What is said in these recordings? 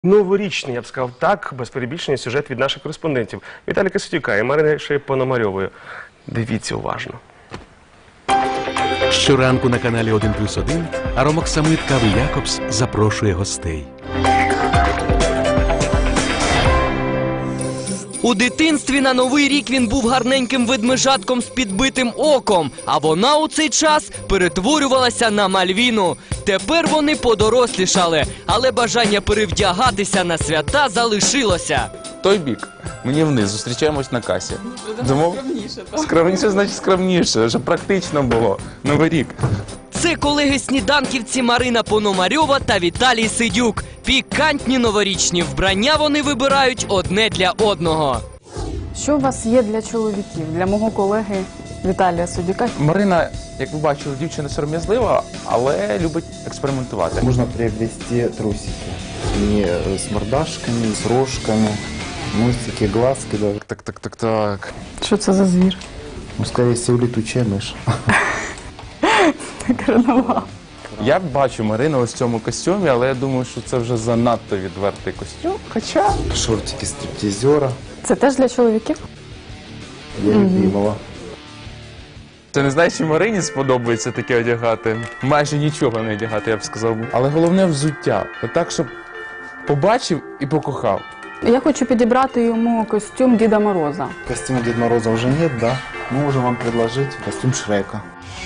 Новорічний, я б сказав так, без перебільшення, сюжет від наших кореспондентів Віталія Кисатюка і Марини Пономарьової. Дивіться уважно. Щоранку на каналі 1+1 Аромоксамит Кави Якобс запрошує гостей. У дитинстві на Новий рік він був гарненьким ведмежатком з підбитим оком, а вона у цей час перетворювалася на Мальвіну. Тепер вони подорослішали, але бажання перевдягатися на свята залишилося. Той бік, мені вниз, зустрічаємось на касі. Думав, скромніше, значить скромніше, щоб практично було. Новий рік. Це колеги-сніданківці Марина Пономарьова та Віталій Сидюк. Пікантні новорічні вбрання вони вибирають одне для одного. Що у вас є для чоловіків, для мого колеги Віталія Сидюка? Марина, як ви бачили, дівчина сором'язлива, але любить експериментувати. Можно приобрести трусики. И с мордашками, и с рожками, носики, глазки даже. Так. Що це за звір? Ну, скорее всего, летучая мышь. Карнавал. Я бачу Марину ось в цьому костюмі, але я думаю, що це вже занадто відвертий костюм. Хоча... Шортики стриптизера. Це теж для чоловіків? Для любимого. Це не знаю, чи Марині сподобається таке одягати. Майже нічого не одягати, я б сказав. Але головне взуття. Так, щоб побачив і покохав. Я хочу підібрати йому костюм Діда Мороза. Костюма Деда Мороза уже нет, да? Мы можем вам предложить костюм Шрека.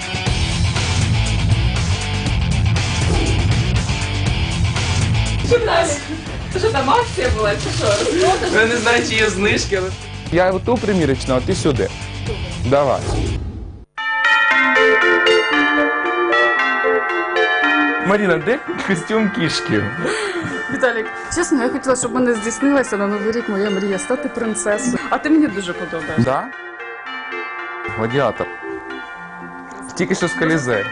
Це що там акція була, чи що? Я не знаю, чи є знижки, але... Я оту примірочну, а ти сюди. Давай. Маріна, де костюм кішки? Віталік, чесно, я хотіла, щоб мене здійснилася на Новий рік моя мрія стати принцесою. А ти мені дуже подобаєшся. Да? Гладіатор. Тільки що з Колізею.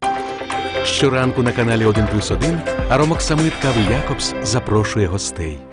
Щоранку на каналі 1+1 Аромоксамит Кави Якобс запрошує гостей.